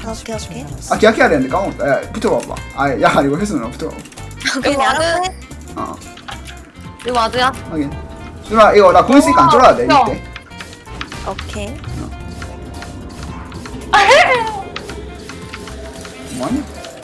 오케이 오케이. 아 기약해야 되는데 까먹었다. 야 붙어봐봐. 아야 이거 혜수 누나 붙어봐. 오케이 와드. 알았네. 어 이거 와드야? 확인. 누나 이거 나 공 있으니까 안 쫄아야 돼 이때. 오케이. 뭐하냐?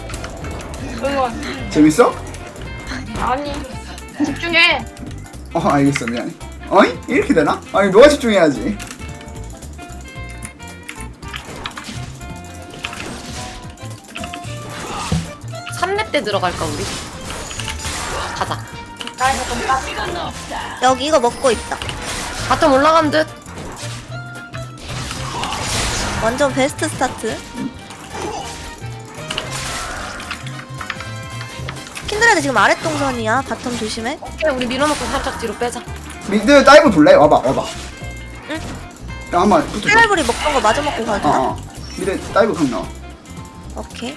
응원. 재밌어? 아니. 집중해. 알겠어 미안해. 어이? 이렇게 되나? 아니 너가 집중해야지. 삼렙 때 들어갈까 우리? 가자. 나 이거 좀 땄어. 여기 이거 먹고 있다. 바텀 올라간 듯. 완전 베스트 스타트. 킨드레드 지금 아랫 동선이야. 바텀 조심해. 오케이 우리 밀어놓고 살짝 뒤로 빼자. 미드 다이브 볼래? 와봐. 응. 야 한번 붙어줘. 플라이브리 먹던 거 마저 먹고 가야 되나? 미드 다이브 강 나와. 오케이.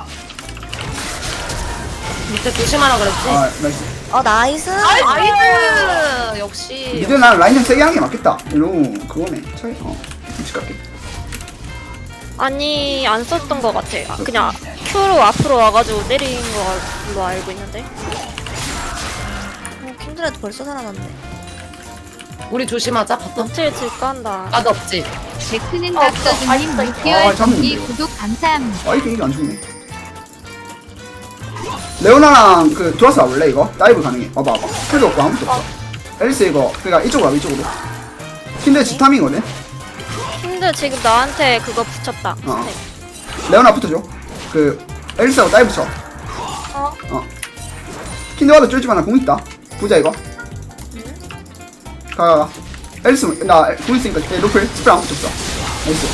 밑에 조심하라 그랬지? 나이스. 나이스. 나이스! 역시. 미드 난 라인 좀 세게 하는 게 맞겠다. 이러고 그거네. 차이. 같이 갈게. 아니 안 썼던 것 같아. 그냥 Q로 앞으로 와가지고 때린 걸로 알고 있는데. 킨드레드 벌써 살아났네. 우리 조심하자 바텀. 노틸 질까 한다. 나도 없지. 베크는 박서준님 아, 물티얼 잡는데, 정기 이거. 구독 감사합니다. 이게 안 죽네. 레오나랑 그 들어와서 와볼래 이거? 다이브 가능해. 봐봐. 필요 없고 아무것도 없어. 앨리스 이거 그니까 이쪽으로 와봐 이쪽으로. 킨드 지탐이거든? 힘들 지금 나한테 그거 붙였다. 어. 레오나 붙어줘. 그 앨리스하고 다이브 쳐. 킨드 와도 쫄지마. 나 공 있다. 보자 이거. 가. 앨리스 나 공 있으니까 노플 스프레 안 붙였어. 나이스.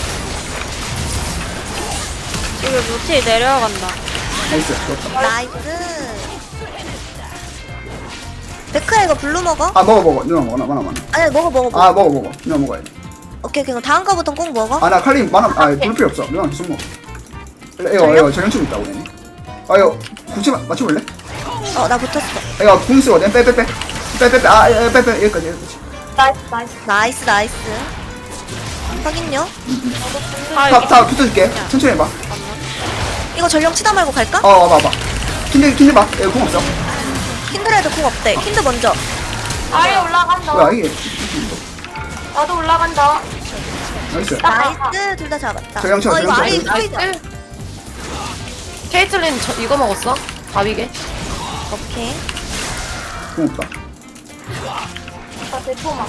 지금 노틸 내려간다. 나이스. 좋았다. 나이스. 베크야 이거 블루 먹어? 먹어. 누나 먹어. 나 많아. 아니 먹어. 먹어. 누나 먹어야 돼. 오케이 그럼 다음 거부터 꼭 먹어. 나 칼림 많아. 볼 필요 없어. 누나 계속 먹어. 이거 전형충 있다고 얘네. 이거 굳이 맞춰볼래? 나 붙었어. 이거 궁 쓰거든. 빼. 빼. 여기까지. 나이스. 나이스. 확인요. 다 붙어줄게. 천천히 해봐. 이거 전령 치다 말고 갈까? 와봐. 킨드 봐. 이거 궁 없어. 킨드레드 공 없대. 킨드 먼저. 아예 올라간다. 뭐야 이게? 나도 올라간다. 나이스. 나이스. 둘 다 잡았다. 전령 쳐, 이거 전령 쳐. 아래 나이스. 보이자. 케이틀린 이거 먹었어? 바위게? 오케이. 궁 없다. 나 대포만.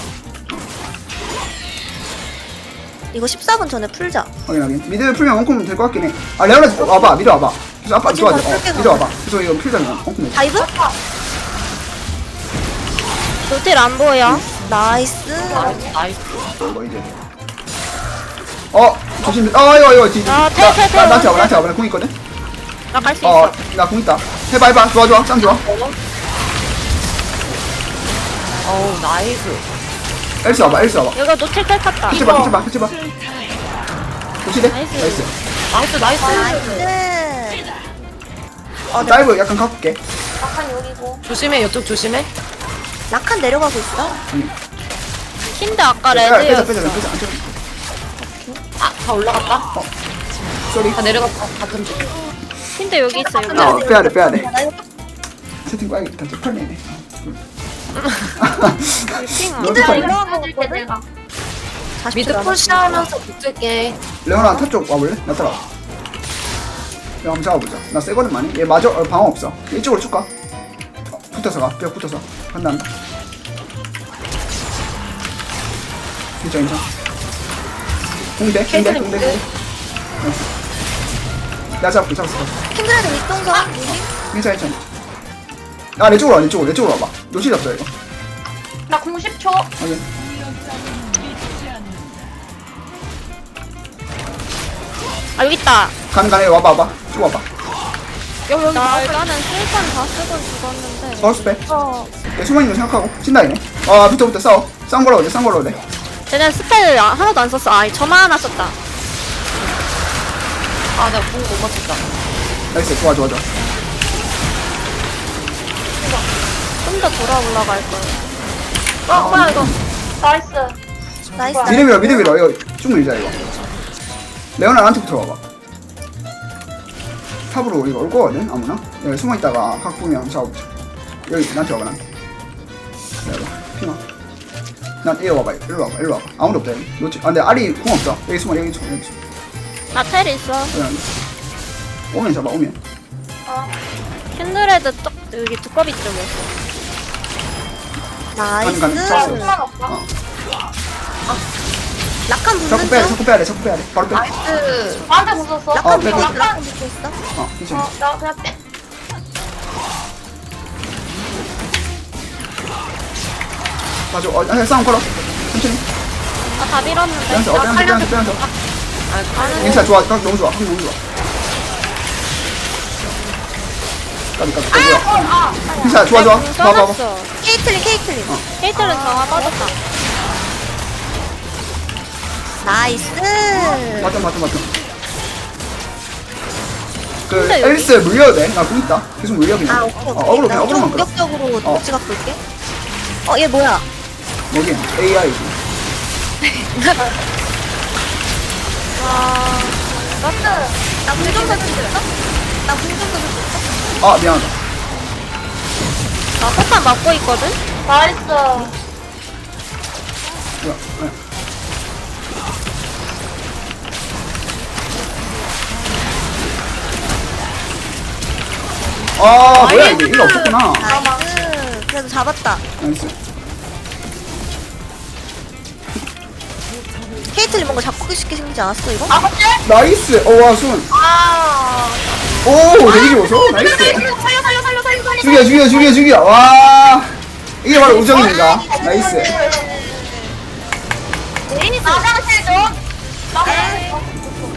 이거 14분 전에 풀자. 확인. 미드 풀면 원콤 될 것 같긴 해. 레오나 와봐. 미드 와봐. 그래서 아빠 지금 좋아져. 바로 풀게 미드 와봐. 그래서 이거 풀자면 원콤 돼. 다이브? 노틸 안 보여. 나이스. 나이스. 이거 이제. 조심. 이거 뒤. 탈. 나한테 와봐. 나 궁 있거든. 나 갈 수 있어. 나 궁 있다. 해봐. 좋아. 짱 좋아. 어우 나이스. 엘스 와봐. 여기가 노틸 탈 탔다. 캐치 봐. 좋지? 나이스. 나이스. 나이스. 다이브 약간 가볼게. 약간 여기고. 조심해 이쪽 조심해. 라칸 내려가고 있어. 힌드 아까 빼자. 레드였어. 다 올라갔다. 쏘리. 다 내려갔다. 바텀 쪽. 힌드 여기 있어 여기. 빼야 돼. 채팅 꺼야겠다. 저 털리네. 핑아. 너도 털리. 올라가줄게 내가. 미드 푸시하면서 붙을게. 레오나 탑쪽 와볼래? 나 따라. 내가 한번 잡아보자. 나 세거든 많이. 얘 마저 방어 없어. 이쪽으로 쭉 가. 붙어서 가. 벽 붙어서. 간다. 괜찮아. 공대. 나이스. 내가 잡았어. 킨드레드 윗동선. 괜찮아. 내 쪽으로 와봐. 노실 없어 이거. 나 90초. 확인. 여기 있다. 가네. 와봐. 쭉 와봐. 나는 술판 다 쓰고 죽었는데. 서울스 빼. 얘 숨어있는 거 생각하고. 신나이네. 붙어. 싸워. 싼 걸로 돼. 쟤는 스펠 하나도 안 썼어. 저만 하나 썼다. 내가 공못 맞췄다. 나이스. 좋아. 좀 더 돌아 올라갈 걸. 뭐야 이거. 나이스. 나이스. 미드 밀어. 이거 쭉 밀자 이거. 레오나 나한테 붙어와봐. 탑으로 우리가 올 거거든 아무나. 여기 숨어있다가 각 보면 잡아보자. 여기 나한테 와봐 나한테. 내가 피마. 난 이리 와봐 일로 와봐. 아무도 없다 여기. 놓치. 아 근데 알이 궁 없어. 여기 숨어. 나 텔 있어. 여기. 오면 잡아 오면. 킨드레드 여기 두꺼비 쪽에 있어. 나이스. 가는 잡았어. 수만 없어. 라칸 자꾸 붙는 빼야 돼. 중. 자꾸 빼야 돼. 바로 빼. 나이스. 나한테 붙었어. 라칸 빼, 붙고 빼. 있어. 라칸 붙고 있어. 괜찮아. 나 그냥 빼. 맞아. 싸움 걸어. 천천히. 다 밀었는데. 빼면서 빼면서. 가는 괜찮아 좋아. 각 너무 좋아. 각 너무 좋아. 까비. 뭐야. 괜찮아 좋아. 봐봐. 케이틀린. 케이틀은 정화 빠졌다. 나이스. 맞다. 그 근데 여기- 앨리스 물려도 돼. 나 공 있다. 계속 물려 그냥. 아 오케이. 어그로 나 어그로만 좀 끌어. 공격적으로 도치 갖고 있게. 얘 뭐야? 여긴 AI. 나 공격자 줬어? 나 공격자 줬어? 아 미안하다. 나 포탄 맞고 있거든? 나이스. 뭐야. 뭐야 이게 일 없었구나. 나이스. 그래도 잡았다. 나이스. 케이틀린 뭔가 잡고 싶게 생기지 않았어 이거? 나이스. 와 순. 오 되게 좋았어. 나이스. 죽여. 와 이게 바로 우정입니다. 나이스. 화장실 좀. 화장실 좀.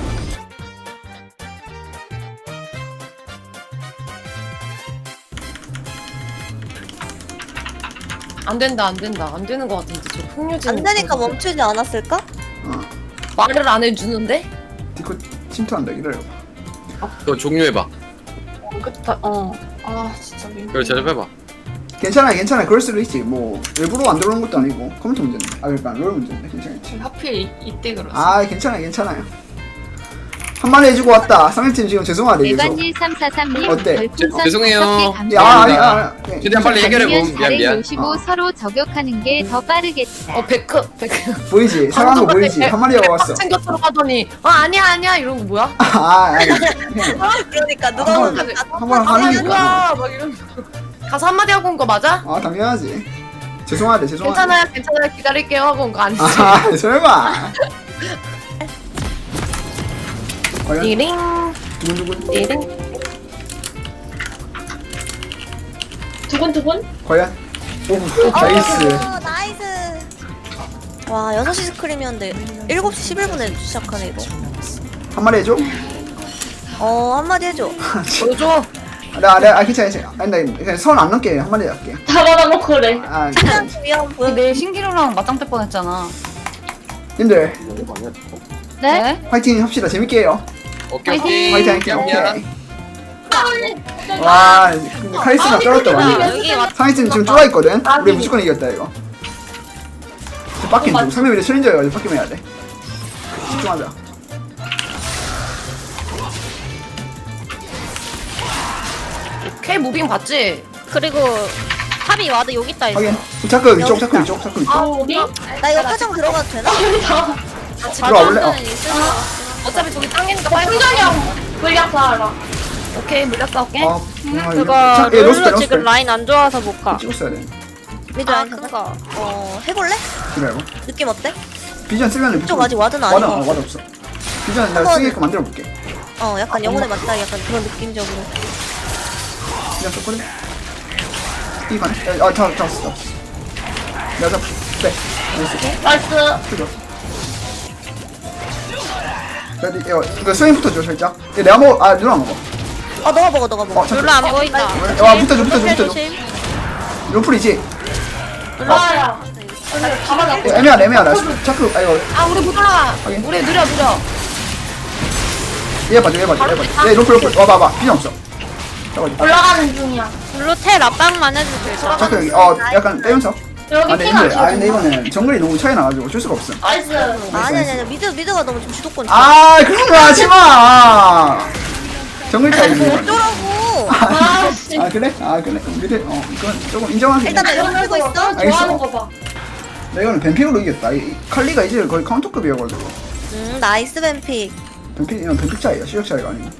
안 된다. 안 되는 것 같은데 저 풍류진. 안 되니까 멈추지 않았을까? 말을 안 해주는데? 디코 침투한다. 기다려. 그거 종료해봐. 아 진짜 민. 그걸 제접해봐. 괜찮아. 그럴 수도 있지. 뭐 일부러 안 들어오는 것도 아니고 컴퓨터 문제인데. 그러니까 롤 문제인데 괜찮지. 하필 이때 그러지. 괜찮아요. 한마디 해주고 왔다. 상대팀 지금 죄송하대 계속. 일반일 343님 어때? 별풍선 죄송해요. 5개 야, 감사합니다. 아니. 최대한 빨리 해결해봄. 미안. 55 서로 저격하는 게 더 빠르겠다. 베크. 보이지? 사랑한 거 보이지? 한마디 하고 왔어. 챙겨 들어가더니 아니야 이런 거 뭐야? 아니. 그러니까 누가 한번 보면 한번 하는 게 뭐야 막 이런. 가서 한마디 하고 온 거 맞아? 당연하지. 죄송하대. 괜찮아요 기다릴게요 하고 온 거 아니지? 설마. 과연 띠링 두근두근. 띠링. 두근두근. 과연. 오, 나이스. 나이스. 와 6시 스크림이었는데 7시 11분에 시작하네 이거. 한마디 해줘. 한마디 해줘. 보여줘. 괜찮아. 아니, 나 그냥 선 안 넘게 한마디 할게. 다 받아놓고 그래. 그냥 위험 보여. 내 신기루랑 맞짱 뜰 뻔했잖아. 님들 네? 화이팅 합시다. 재밌게 해요. 오케이. 화이팅. 미안. 와, 근데 카리스마 떨었다 완전. 여기 왔 상위팀 지금 쫄아 있거든. 우리 무조건 이겼다 이거. 빡긴 중. 상대 미래 챌린저여가지고 빡긴 해야 돼. 집중하자. K 무빙 봤지? 그리고 탑이 와드 여기 있다 했어. 확인. 자크 위쪽. 우리? 나 이거 화장 들어가도 되나? 들어와 볼래? 어차피 저기 땅이니까 빨리. 충전이 형 물약 다 알아. 오케이 물렸어 오케이. 그거 룰로 지금 라인 안 좋아서 못 가. 찍었어야 돼. 미드 아 라인 그거. 해볼래? 기다려. 느낌 어때? 비전 쓰면 좀 아직 와드는 아니고. 와드 없어. 비전 내가 한번- 쓰게끔 만들어 볼게. 약간 영혼의 맞다 약간 그런 느낌적으로. 비전 썼거든. 이반. 잡았어. 내가 잡. 네. 나이스. 그죠. 이거 스윙부터 줘 살짝. 내가 먹어. 누나 먹어. 너가 먹어. 잠깐. 룰로 안 보인다. 와 붙어줘. 조심. 로플이지. 나야. 다 받았고. 애매하다. 자크. 이거 아 우리 못 올라가. 확인. 우리 느려. 얘 봐줘. 얘 로플. 와봐. 비전 없어. 잡아줘. 올라가는 중이야. 룰로 텔 압박만 해주세요. 일단. 자크 여기. 약간 빼면서. 여기 근데 핑 근데 안 이거는 정글이 너무 차이 나가지고 어쩔 수가 없어. 나이스. 아니 미드가 너무 지금 주도권. 그런 거 하지 마. 정글 차이지. 어쩌라고. 아, 씨. 아 그래? 아 그래? 미드 이건 조금 인정하기. 일단 나 이거 쓰고 있어. 좋아하는 거 봐. 내가는 뱀픽으로 이겼다. 이 칼리가 이제 거의 카운터급이어가지고. 나이스 뱀픽. 이건 뱀픽 차이야. 실력 차이가 아니고.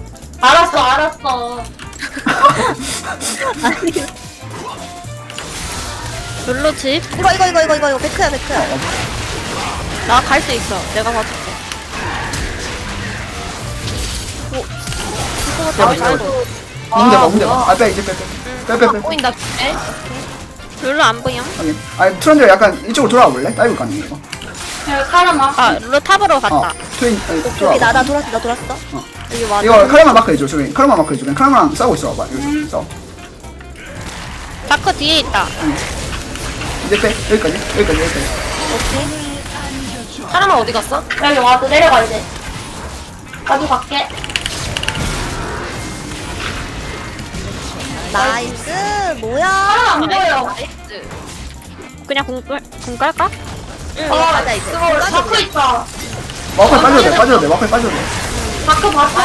알았어. 아니. 블루칩. 이거 백크야. 나 갈 수 있어. 내가 봐줄게. 문제 봐. 빼 이제 빼. 보인다. 에? 룰루 안 보여? 확인. 아니 트런들 약간 이쪽으로 돌아와 볼래? 다이브 가능 이거. 카르마. 아 룰루 탑으로 갔다. 트윈 여기 돌아와. 나 돌았어. 여기 와줘. 이거 카르마 마크 해줘. 저기 카르마 마크 해줘. 카르마랑 싸우고 있어 봐봐. 여기서 싸워. 다크 뒤에 있다. 이제 빼. 여기까지. 오케이. 사람아 어디 갔어? 여기 와서 내려가 이제. 나도 갈게. 나이스. 뭐야? 안 보여. 그냥 궁 깔까? 응. 어, 맞아 이제. 그거 다크 있다. 마크에 빠져도 돼. 마크에 빠져도 돼. 다크 봤어?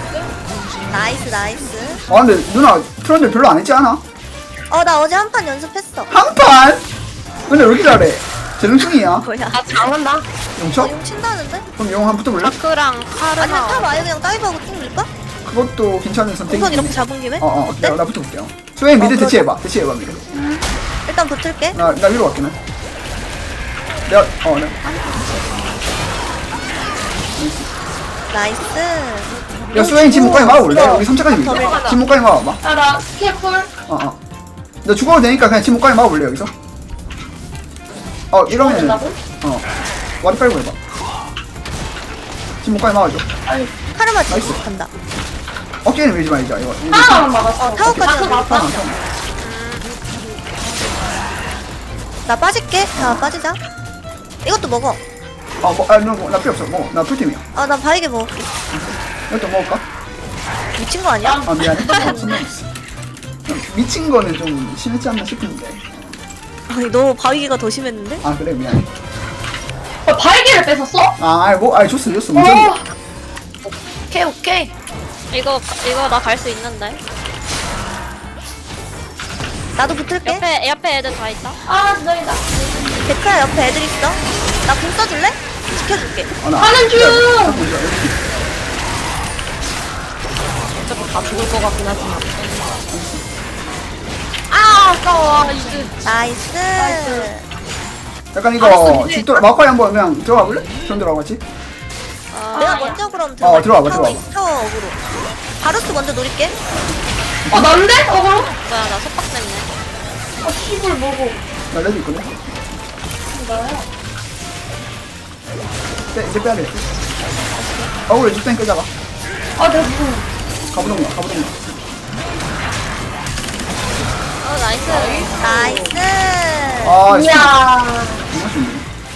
나이스. 아 근데 누나 트런들 별로 안 했지 않아? 나 어제 한 판 연습했어. 한 판? 근데 왜 이렇게 잘해? 재능충이야. 뭐야? 나 잘한다. 용쳐? 용 친다는데? 그럼 용 한 붙어볼래? 다크랑 아니면 탑 카르마. 아예 그냥 다이브하고 쭉 밀까? 그것도 괜찮은 선택이지. 우선 이렇게 잡은 김에? 어때? 나 붙어볼게요. 수행 미드 대치해봐 미드. 일단 붙을게. 나 위로 갈게 나. 내가 네. 나이스. 야 수행 침묵까지 막아볼래? 우리 3차까지 밀자. 침묵까지 막아봐. 야, 나 스케풀. 너 죽어도 되니까 그냥 침묵까지 막아볼래 여기서? 이러면은 된다고? 와리 빨고 해봐. 침묵까지 막아줘. 카르마 나이스. 지금 간다. 어깨는 밀지 말자 이거. 하나만 막았어. 타워까지 다크 나 봤어? 나 빠질게. 자 빠지자. 이것도 먹어. 나 필요 없어. 나 풀팀이야. 나 바이게 먹을게. 이것도 먹을까? 미친 거 아니야? 미안해. 미친 거는 좀 심했지 않나 싶은데. 아니 너 바위기가 더 심했는데? 그래 미안해. 발기를 뺏었어? 줬어 무슨 오케이. 이거 나 갈 수 있는데. 나도 붙을게. 옆에 애들 다 있다. 진짜이다. 백크야 옆에 애들 있어. 나 공 써줄래? 지켜줄게. 하는 중! 어차피 다 죽을 것 같긴 하지만. 아까워. 나이스. 약간 이거 마카이 한번 그냥 들어가 볼래? 전 들어가 같이. 내가 먼저 그럼 들어가. 들어와봐. 타워 어그로. 바루스 먼저 노릴게. 난데? 그럼? 뭐야 나 속박 때문에. 씨불 뭐고. 나 레드 있거든. 이제 빼야 돼. 우리 죽땡 끄자가. 내가 무슨. 가보던가. 나이스. 나이스. 이야. 정말 쉽네.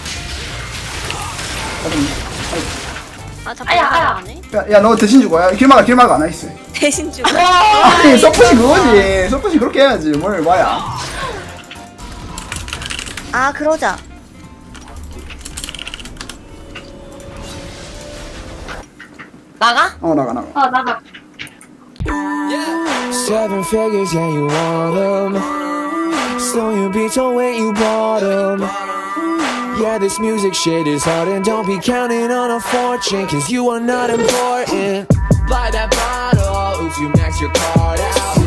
자꾸 아야. 안 해? 야, 너 대신 죽어. 야, 길 막아. 나이스. 대신 주고. 아니, 서폿이 그거지. 서폿이 그렇게 해야지. 뭘 봐야. 그러자. 나가? 나가. 나가. 7 figures, yeah, you want them. So you be told when you bought them. Yeah, this music shit is hard, and don't be counting on a fortune, cause you are not important. Buy that bottle, oops, you max your card out.